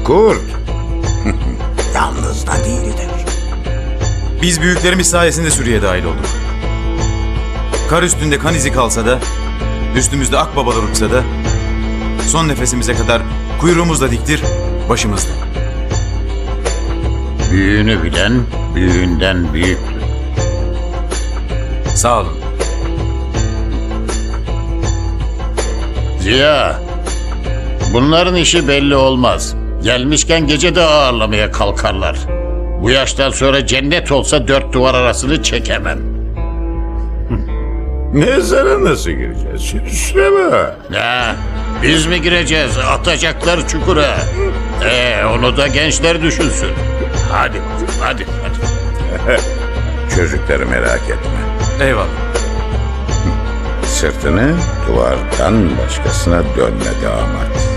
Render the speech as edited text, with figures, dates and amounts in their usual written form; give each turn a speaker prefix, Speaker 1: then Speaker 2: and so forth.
Speaker 1: kurt. Yalnız da değildir.
Speaker 2: Biz büyüklerimiz sayesinde sürüye dahil olduk. Kar üstünde kan izi kalsa da, üstümüzde akbabalar uçsa da, son nefesimize kadar kuyruğumuzla diktir, başımızda.
Speaker 1: Büyüğünü bilen büyüğünden büyüktür.
Speaker 2: Sağ olun.
Speaker 1: Ziya, bunların işi belli olmaz. Gelmişken gece de ağırlamaya kalkarlar. Bu yaştan sonra cennet olsa dört duvar arasını çekemem.
Speaker 3: Mezara nasıl gireceğiz? Süsleme.
Speaker 1: Ne? Biz mi gireceğiz? Atacaklar çukura. Onu da gençler düşünsün. Hadi.
Speaker 3: Çocukları merak etme.
Speaker 2: Eyvallah.
Speaker 3: Sırtını duvardan başkasına dönme damat.